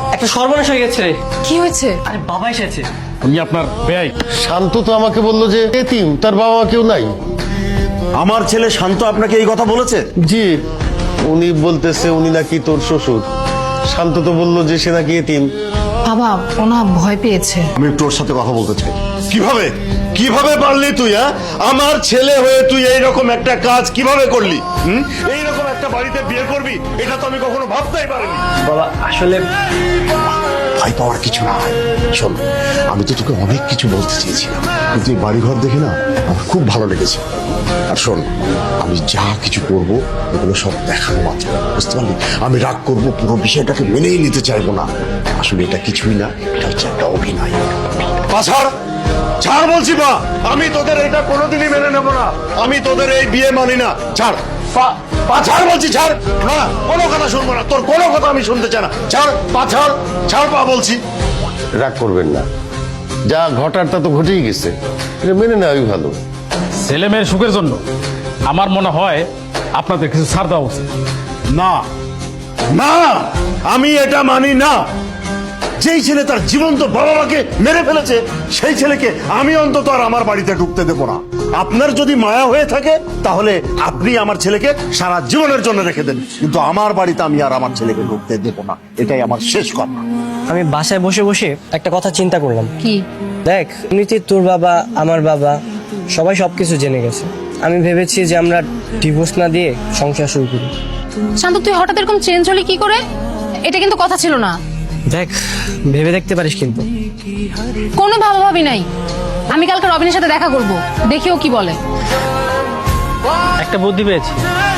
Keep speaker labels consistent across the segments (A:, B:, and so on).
A: একটা সর্বনাশ হয়ে গেছে রে।
B: কি হয়েছে?
A: আরে বাবা এসেছে।
C: উনি আপনার বেয়াই।
D: শান্ত তো আমাকে বললো যে এতিম, তার বাবা মা কেউ নাই।
E: আমার ছেলে শান্ত আপনাকে এই কথা বলেছে?
D: জি, উনি বলতেছে উনি নাকি তোর শ্বশুর। শান্ত তো বললো যে সে নাকি এতিম।
B: বাবা ওনা ভয় পেয়েছে।
E: আমি তোর সাথে কথা বলতে চাই। কিভাবে কিভাবে পারলি তুই? আমার ছেলে হয়ে তুই এইরকম একটা কাজ কিভাবে করলি? এইরকম একটা বাড়িতে বিয়ে করবি, এটা তো আমি কখনো ভাবতেই পারিনি।
A: বাবা আসলে
E: ভয় পাওয়ার কিছু না। শোন, আমি তো তোকে অনেক কিছু বলতে চেয়েছিলাম, কিন্তু এই বাড়িঘর দেখে না আমার খুব ভালো লেগেছে। আর শোন, আমি যা কিছু করব এগুলো সব দেখানো মাত্র, বুঝতে পারলি? আমি রাগ করব, পুরো বিষয়টাকে মেনেই নিতে চাইবো না। আসলে এটা কিছুই না, এটা হচ্ছে একটা অভিনয়। পাছাড় ছাড় বলছি মা, আমি তোদের এটা কোনোদিনই মেনে নেবো না। আমি তোদের এই বিয়ে মানি না। ছাড় ছাড় বলছি, ছাড়। না, কোনো কথা শুনবো না, তোর কোনো কথা আমি শুনতে চাই না। ছাড় ছাড় ছাড় পা বলছি।
D: রাগ করবেন না, যা ঘটার তা তো ঘটেই গেছে, এটা মেনে নেওয়াই ভালো।
C: ছেলে মেয়ের সুখের জন্য আমার মনে হয় আপনাদের কিছু ছাড় দেওয়া উচিত।
E: না না, আমি এটা মানি না। যেই ছেলে তার জীবন্ত বাবা মাকে মেরে ফেলেছে, সেই ছেলেকে আমি অন্তত আর আমার বাড়িতে ঢুকতে দেবো না। আপনার যদি মায়া হয়ে থাকে তাহলে আপনি আমার ছেলেকে সারা জীবনের জন্য রেখে দেন, কিন্তু আমার বাড়িতে আমি আর আমার ছেলেকে ঢুকতে দেবো না। এটাই আমার শেষ কথা।
A: আমি বাসায় বসে বসে একটা কথা চিন্তা করলাম।
B: কি?
A: দেখ, এমনিতে তোর বাবা আমার বাবা সবাই সবকিছু জেনে গেছে। আমি ভেবেছি যে আমরা ডিভোর্স না দিয়ে সংসার শুরু করি।
B: শান্ত তুই হঠাৎ এরকম চেঞ্জ হলি কি করে? এটা কিন্তু কথা ছিল না।
A: দেখ, ভেবে দেখতে পারিস কিন্তু।
B: কোনো ভাবাভাবি নাই। আমি কালকে রবিনের সাথে দেখা করব, দেখিও কি বলে।
A: একটা বুদ্ধি পেয়েছি।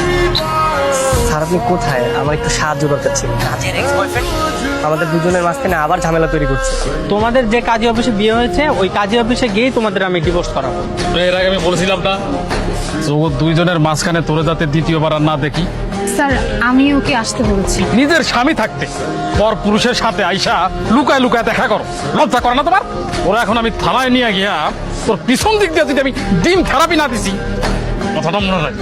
A: স্যার আপনি কোথায়? আমার একটু সাহায্য দরকার ছিল। কাজের এক্স বয়ফ্রেন্ড আমাদের দুজনের মাঝখানে আবার ঝামেলা তৈরি করছে। তোমাদের যে কাজী অফিসে বিয়ে হয়েছে, ওই কাজী অফিসে গিয়ে তোমাদের আমি ডিভোর্স করাবো।
C: তো এর আগে আমি বলেছিলাম না যে ও দুইজনের মাঝখানে তোরে যাতে দ্বিতীয়বার আর না দেখি।
B: স্যার আমি ওকে আসতে বলেছি।
C: নিজের স্বামী থাকতে পর পুরুষের সাথে আইসা লুকায় লুকায় দেখা করো, লজ্জা করে না তোমার? ওরা এখন আমি থানায় নিয়ে গিয়া তোর পিছন দিক দিয়ে যদি আমি ডিম থেরাপি না দিছি, কথাটা মনে রাখ।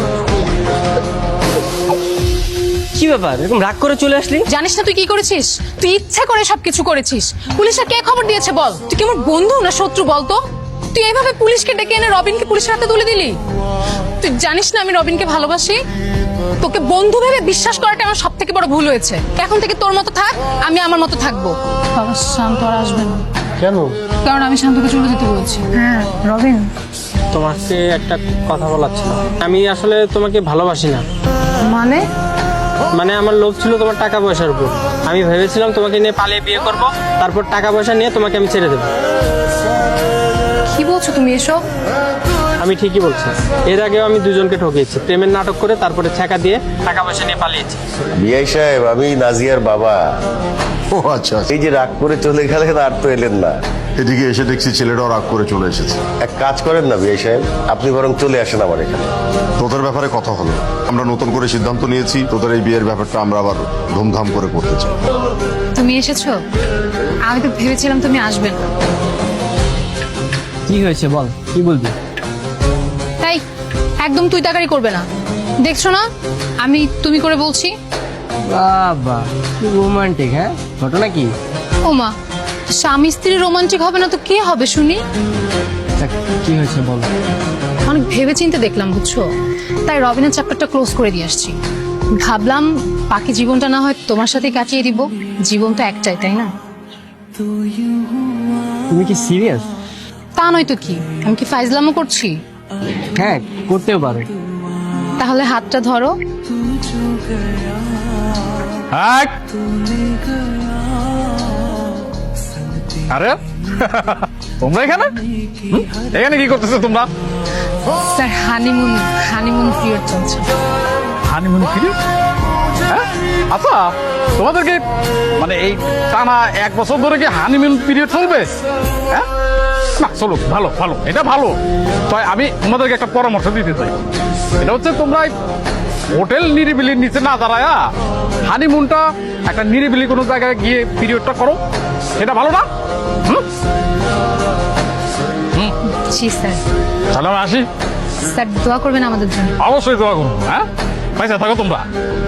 A: কি ব্যাপার, এরকম রাগ করে চলে আসলি?
B: জানিস না তুই কি করেছিস? তুই ইচ্ছা করে সবকিছু করেছিস। পুলিশে কে খবর দিয়েছে বল? তুই কি আমার বন্ধু না শত্রু বলতো? তুই এইভাবে পুলিশকে ডেকে এনে রবিনকে পুলিশের হাতে তুলে দিলি। তুই জানিস না আমি রবিনকে ভালোবাসি। তোকে বন্ধু ভেবে বিশ্বাস করাটা আমার সব থেকে বড় ভুল হয়েছে। এখন থেকে তোর মতো থাক, আমি আমার মতো থাকবো। বাবা শান্ত আর আসবে না।
D: কেন?
B: কারণ আমি শান্তকে চলে যেতে বলেছি। হ্যাঁ রবিন,
A: তোমাকে একটা কথা বলার ছিল। আমি আসলে তোমাকে ভালোবাসি না।
B: মানে
A: আমার লোভ ছিল তোমার টাকা পয়সার উপর। আমি ভেবেছিলাম তোমাকে নিয়ে পালিয়ে বিয়ে করব, তারপর টাকা পয়সা নিয়ে তোমাকে আমি ছেড়ে দেবো।
B: কি বলছো তুমি এসব?
A: আমি ঠিকই বলছি। এর আগেও আমি দুজনকে ঠকিয়েছি, প্রেমের নাটক করে তারপরে ছেঁকা দিয়ে টাকা পয়সা নিয়ে পালিয়েছি।
D: বিআই সাহেব, আমি নাজিয়ার বাবা।
E: ও আচ্ছা,
D: এই যে রাগ করে চলে গেলেন, আর তো এলেন না।
E: এদিকে এসে দেখছি ছেলেটাও রাগ করে চলে এসেছে।
D: এক কাজ করেন না বিআই সাহেব, আপনি বরং চলে আসেন আমার এখানে।
E: তোদের ব্যাপারে কথা হলো, আমরা নতুন করে সিদ্ধান্ত নিয়েছি, তোদের এই বিয়ের ব্যাপারটা আমরা আবার ধুমধাম করে করতে চাই।
B: তুমি এসেছো? আমি তো ভেবেছিলাম তুমি আসবে না।
A: কি হয়েছে বল, কি বলবি?
B: তাই একদম তুই তাকারি করবে না। দেখছো না আমি তুমি করে বলছি।
A: বাবা কি রোমান্টিক! হ্যাঁ, ঘটনা কি?
B: ওমা, স্বামী স্ত্রী রোমান্টিক হবে না তো কে হবে শুনি?
A: কি হয়েছে বল।
B: অনেক ভেবেচিন্তে দেখলাম বুঝছো, তাই রবিনের চ্যাপ্টারটা ক্লোজ করে দিয়ে আসছি। ভাবলাম বাকি জীবনটা না হয় তোমার সাথে কাটিয়ে দিব। জীবন তো একটাই, তাই না?
A: তুমি কি সিরিয়াস?
B: তা নয় তো কি, আমি কি ফাইজলামও করছি?
A: হ্যাঁ, করতেও পারো।
B: তাহলে হাতটা ধরো।
C: আরে তোমরা এখানে এখানে কি করতেছো তোমরা?
B: স্যার হানিমুন পিরিয়ড চলছে।
C: Honeymoon period? হ্যাঁ, আচ্ছা তোমাদেরকে মানে এই টানা 1 বছর ধরে কি হানিমুন পিরিয়ড চলবে? হ্যাঁ না, চলো, ভালো ভালো, এটা ভালো। তাই আমি তোমাদেরকে একটা পরামর্শ দিতে চাই। এটা হচ্ছে তোমরা হোটেল নিরিবিলির নিচে না দাঁড়ায়া হানিমুনটা একটা নিরিবিলি কোনো জায়গায় গিয়ে পিরিয়ডটা করো, এটা ভালো না?
B: জি স্যার।
C: তাহলে আমি আসি।
B: স্যার দোয়া করবেন আমাদের জন্য।
C: অবশ্যই দোয়া করবো। হ্যাঁ, পয়সা থাকো তোমরা।